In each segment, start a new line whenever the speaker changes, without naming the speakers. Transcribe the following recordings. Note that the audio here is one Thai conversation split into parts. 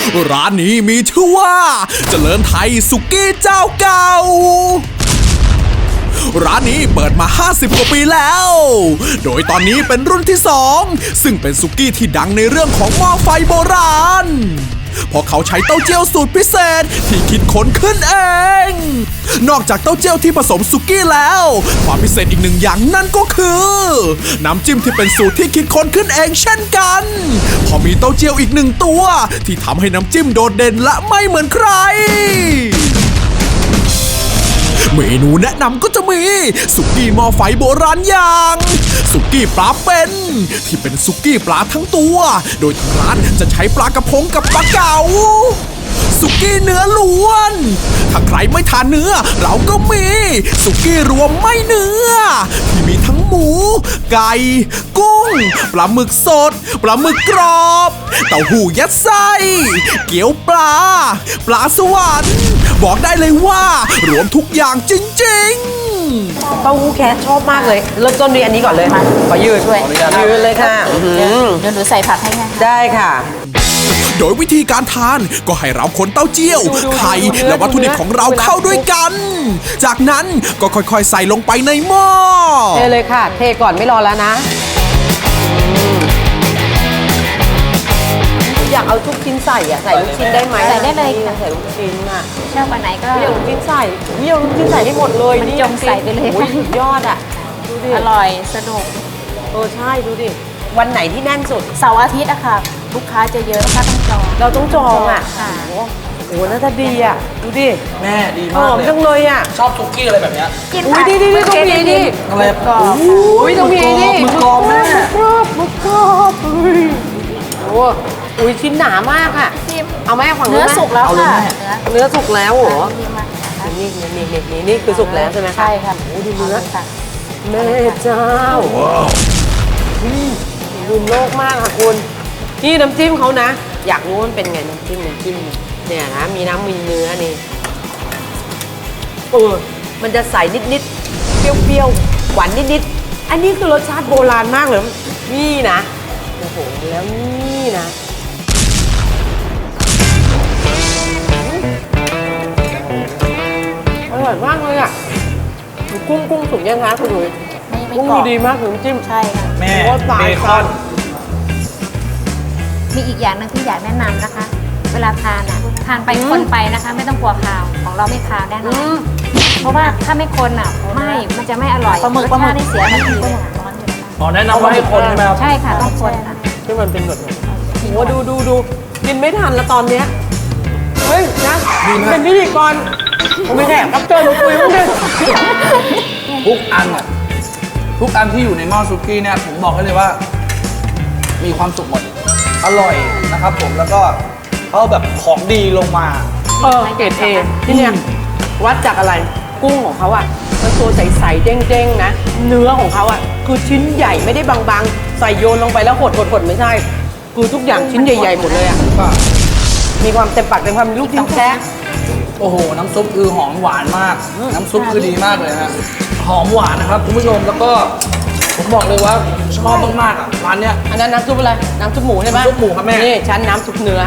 ร้านนี้มีชื่อว่าเจริญไทยสุกี้เจ้าเก่าร้านนี้เปิดมา50 กว่าปีแล้ว โดยตอนนี้เป็นรุ่นที่2ซึ่งเป็นสุกี้ที่ดังในเรื่องของหม้อไฟโบราณเพราะเขาใช้เต้าเจี้ยวสูตรพิเศษที่คิดค้นขึ้นเอง นอกจากเต้าเจี้ยวที่ผสมสุกี้แล้วความพิเศษอีกหนึ่งอย่างนั่นก็คือน้ำจิ้มที่เป็นสูตรที่คิดค้นขึ้นเองเช่นกันพอมีเต้าเจี้ยวอีกหนึ่งตัวที่ทำให้น้ำจิ้มโดดเด่นและไม่เหมือนใครเมนูแนะนำก็จะมีสุกี้หม้อไฟโบราณอย่างสุกี้ปลาเป็นที่เป็นสุกี้ปลาทั้งตัวโดยทางร้านจะใช้ปลากระพงกับปลาเก๋าสุกี้เนื้อล้วนถ้าใครไม่ทานเนื้อเราก็มีสุกี้รวมไม่เนื้อที่มีทั้งหมูไก่กุ้งปลาหมึกสดปลาหมึกกรอบเต้าหู้ยัดไส้เกี๊ยวปลาสวรรค์บอกได้เลยว่ารวมทุกอย่างจริงๆ
เต้าหู้แคสชอบมากเลยเริ่มต้นด้วยอันนี้ก่อนเลยขอยืดด้วยยืดเลยค่ะ
เดี๋ยวหนูใส่ผักให้ไง
ได้ค่ะ
โดยวิธีการทานก็ให้เราคนเต้าเจี้ยวไข่และวัตถุดิบของเราเข้าด้วยกันจากนั้นก็ค่อยๆใส่ลงไปในหม้อ
เทเลยค่ะเทก่อนไม่รอแล้วนะอยากเอาทุกชิ้นใส่อะใส่ลูกชิ้นได้ไหม
ใส่ได้เลยค่ะ
ใส่ลูกชิ้นอะ
ชอบวันไหนก็
อยากลูกชิ้นใส่อยากลูกชิ้นใส่ให้หมดเลย
มันจงใส่ไปเลย
สุดยอดอะดูดิ
อร่อยสนุก
ใช่ดูดิวันไหนที่แน่นสุด
เสาร์อาทิตย์อะค่ะลูกค้าจะเยอะลูกค้าต้องจอง
เราต้องจองอะ
ค่ะ
โอ้น่าจะดีอะดูดิ
แม่ดีมากเลยห
อมจังเลยอะ
ชอบซุกี้อะไรแบบเนี้ย
อุ้ยดีต้องมีนี่
อะไร
กรอบ
อุ้ยต้องมีนี่
มึกกรอบแม่
มึกกรอบอุ้ยชิ้นหนามากค่ะเอาแม่ฝั่ง
เนื้อสุกแล้วค่ะ
เนื้อสุกแล้วเหรอนี่คือสุกแล้วใช่ไหมคะ
ใช่ค่ะ
โอ้ดูเนื้อแม่เจ้าลืมโลกมากค่ะคุณนี่น้ำจิ้มเขานะอยากรู้มันเป็นไงน้ำจิ้มเนี่ยนะมีน้ำมีเนื้อนี่มันจะใสนิดๆเปรี้ยวๆหวานนิดๆอันนี้คือรสชาติโบราณมากเลยนี่นะโอ้โหแล้วนี่นะอร่อยมากเลยอ่ะกุ้งสุกยังคะคุณหนุ่ยกุ้งดีมากน้ำจิ้ม
ใช่ค่ะ
แม่เบคอน
มีอีกอย่างนึงที่อยากแนะนำนะคะเวลาทานอ่ะทานไปคนไปนะคะไม่ต้องกลัวคาวของเราไม่คาวแน่นอนเพราะว่าถ้าไม่คนอ่ะมันจะไม่อร่อยรสชาตินี่เสียทันทีเลย
แนะนำว่าให้คนใช่ไหมครับ
ใช่ค่ะต้องคนค่ะ
ที่มันเป็นแบบโอ้ดูกินไม่ทันแล้วตอนเนี้ยเฮ้ยนะเป็นพิธีกรผมไม่แขกรับเชิญมาคุยมั้งเนี่ย
ทุกอันที่อยู่ในหม้อซุกี้เนี่ยผมบอกให้เลยว่ามีความสุขหมดอร่อยนะครับผมแล้วก็เขาแบบของดีลงมา
เกรด A ที่เนี่ยวัดจากอะไรกุ้งของเขาอ่ะมันตัวใสๆเด้งๆนะเนื้อของเขาอ่ะคือชิ้นใหญ่ไม่ได้บางๆใส่โยนลงไปแล้วหดไม่ใช่คือทุกอย่างชิ้นใหญ่ๆหมดเลยอ่ะมีความเต็มปากเต็มคำลูกชิ้นแท้
โอ้โหน้ำซุปคือหอมหวานมากน้ำซุปคือดีมากเลยฮะหอมหวานนะครับคุณผู้ชมแล้วก็ผมบอกเลยว่าชอบมากๆอ่ะร้านเนี้ย
อันนั้นน้ำซุปอะไรน้ำซุปหมูใช่ไหม
น้ำซุปหมูครับแม่
นี่ชั้นน้ำซุปเนื้อ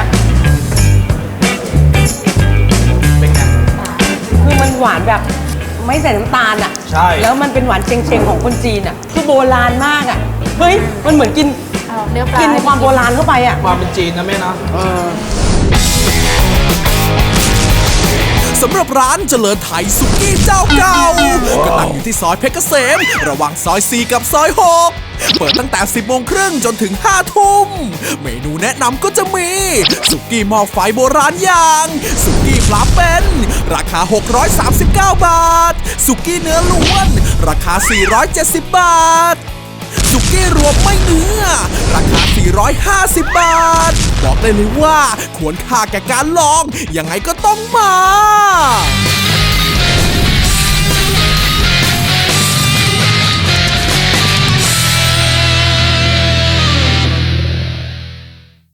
เป็นไง
คือมันหวานแบบไม่ใส่น้ำตาลอ่ะ
ใช่
แล้วมันเป็นหวานเชงๆของคนจีนอ่ะคือโบราณมากอ่ะเฮ้ยมันเหมือนกินความโบราณเข้าไปอ่ะ
ความเป็นจีนนะแม่นะ
สำหรับร้านเจริญไทยสุกี้เจ้าเก่าก็ตั้งอยู่ที่ซอยเพชรเกษมระหว่างซอย4กับซอย6เปิดตั้งแต่ 10:30 น.จนถึง 5 ทุ่มเมนูแนะนำก็จะมีสุกี้หม้อไฟโบราณอย่างสุกี้ปลาเป็นราคา639 บาทสุกี้เนื้อล้วนราคา470 บาทสุกี้รวมไม่เนื้อราคา450 บาทบอกได้เลยว่าควรค่าแก่การลองยังไงก็ต้องมา